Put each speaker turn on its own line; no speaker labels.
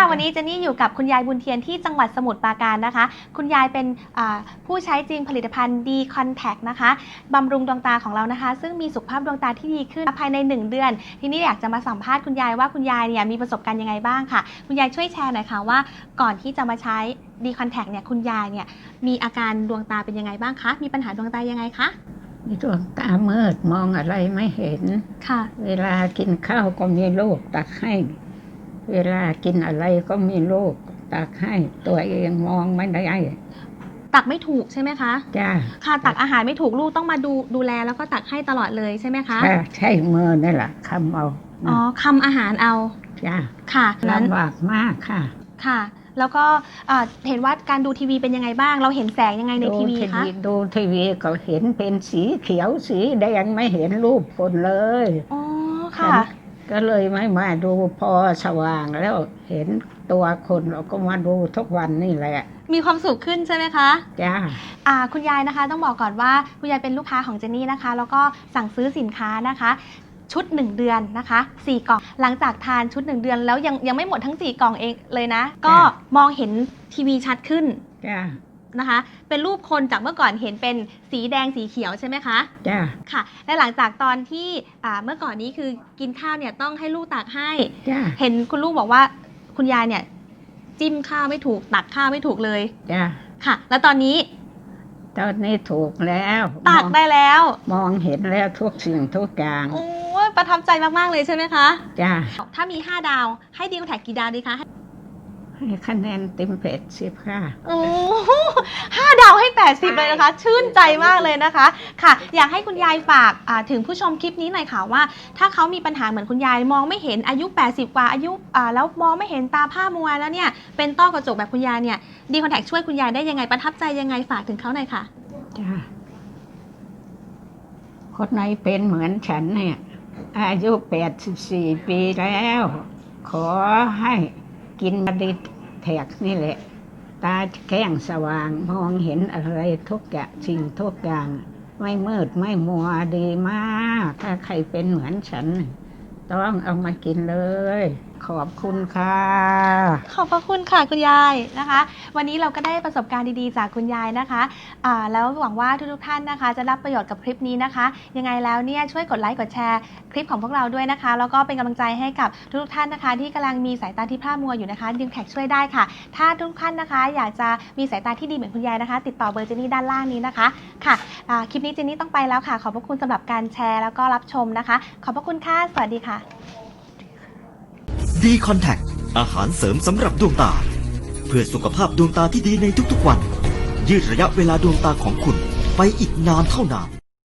วันนี้เจนนี่อยู่กับคุณยายบุญเทียนที่จังหวัดสมุทรปราการนะคะคุณยายเป็นผู้ใช้จริงผลิตภัณฑ์ D Contact นะคะบำรุงดวงตาของเรานะคะซึ่งมีสุขภาพดวงตาที่ดีขึ้นภายใน1 เดือนทีนี้อยากจะมาสัมภาษณ์คุณยายว่าคุณยายเนี่ยมีประสบการณ์ยังไงบ้างค่ะคุณยายช่วยแชร์หน่อยค่ะว่าก่อนที่จะมาใช้ D Contact เนี่ยคุณยายเนี่ยมีอาการดวงตาเป็นยังไงบ้างคะมีปัญหาดวงตายังไงคะ
มีดวงตามืดมองอะไรไม่เห็น
ค่ะ
เวลากินข้าวก็มีลูกตักให้เวลากินอะไรก็มีลูกตักให้ตัวเองมองไม่ได้
ตักไม่ถูกใช่ไหมคะ
จ้า
ค่ะตักอาหารไม่ถูกลูกต้องมาดูแลแล้วก็ตักให้ตลอดเลยใช่ไหมคะ
ใช่มือนี่แหละคำเอา
อ๋อคำอาหารเอา
จ้า
ค่ะ
ลำบากมากค่ะ
ค่ะแล้วก็เห็นว่าการดูทีวีเป็นยังไงบ้างเราเห็นแสงยังไงในทีวีคะ
ดูทีวีก็เห็นเป็นสีเขียวสีแดงไม่เห็นรูปคนเลย
อ๋อค่ะ
ก็เลยไม่มาดูพอสว่างแล้วเห็นตัวคนเราก็มาดูทุกวันนี่แหละ
มีความสุขขึ้นใช่ไหมคะ
จ้า
คุณยายนะคะต้องบอกก่อนว่าคุณยายเป็นลูกค้าของเจนนี่นะคะแล้วก็สั่งซื้อสินค้านะคะชุด1 เดือนนะคะ4 กล่องหลังจากทานชุด1 เดือนแล้วยังไม่หมดทั้ง4 กล่องเองเลยนะก็มองเห็นทีวีชัดขึ้นนะคะเป็นรูปคนจากเมื่อก่อนเห็นเป็นสีแดงสีเขียวใช่ไหมคะ
จ้า
ค่ะและหลังจากตอนที่เมื่อก่อนนี้คือกินข้าวเนี่ยต้องให้ลูกตักให้เห็นคุณลูกบอกว่าคุณยายเนี่ยจิ้มข้าวไม่ถูกตักข้าวไม่ถูกเลย
จ้า
ค่ะแล้วตอนนี้
ถูกแล้ว
ตักได้แล้ว
มองเห็นแล้วทุกสิ่งทุกอย่าง
โอ้ประทับใจมากๆเลยใช่ไหมคะ
จ้า
ถ้ามี5 ดาวให้ดีคอนแทคกี่ดาวดีคะ
ให้คะแนนเต็ม80ค่ะ
โอ้5 ดาวให้80เลยนะคะชื่นใจมากเลยนะคะค่ะอยากให้คุณยายฝากถึงผู้ชมคลิปนี้หน่อยค่ะว่าถ้าเขามีปัญหาเหมือนคุณยายมองไม่เห็นอายุ80 กว่าอายุแล้วมองไม่เห็นตาผ้ามัวแล้วเนี่ยเป็นต้อกระจกแบบคุณยายเนี่ยดีคอนแทคช่วยคุณยายได้ยังไงประทับใจยังไงฝากถึงเขาหน่อยค่ะ
จ้าคนไหนเป็นเหมือนฉันเนี่ยอายุ84 ปีแล้วขอให้กินดีแท็กนี่แหละตาแข้งสว่างมองเห็นอะไรทุกอย่างสิ่งทุกอย่างไม่มืดไม่มัวดีมากถ้าใครเป็นเหมือนฉันต้องเอามากินเลยขอบคุณค่ะ
ขอบพระคุณค่ะคุณยายนะคะวันนี้เราก็ได้ประสบการณ์ดีๆจากคุณยายนะคะแล้วหวังว่าทุกท่านนะคะจะรับประโยชน์กับคลิปนี้นะคะยังไงแล้วเนี่ยช่วยกดไลค์กดแชร์คลิปของพวกเราด้วยนะคะแล้วก็เป็นกำลังใจให้กับทุกท่านนะคะที่กำลังมีสายตาที่พร่ามัวอยู่นะคะดีคอนแทคช่วยได้ค่ะถ้าทุกท่านนะคะอยากจะมีสายตาที่ดีเหมือนคุณยายนะคะติดต่อเบอร์เจนนี่ด้านล่างนี้นะคะค่ะคลิปนี้เจนนี่ต้องไปแล้วค่ะขอบพระคุณสำหรับการแชร์แล้วก็รับชมนะคะขอบพระคุณค่ะสวัสดีค่ะ
D Contact อาหารเสริมสำหรับดวงตาเพื่อสุขภาพดวงตาที่ดีในทุกๆวันยืดระยะเวลาดวงตาของคุณไปอีกนานเท่านาน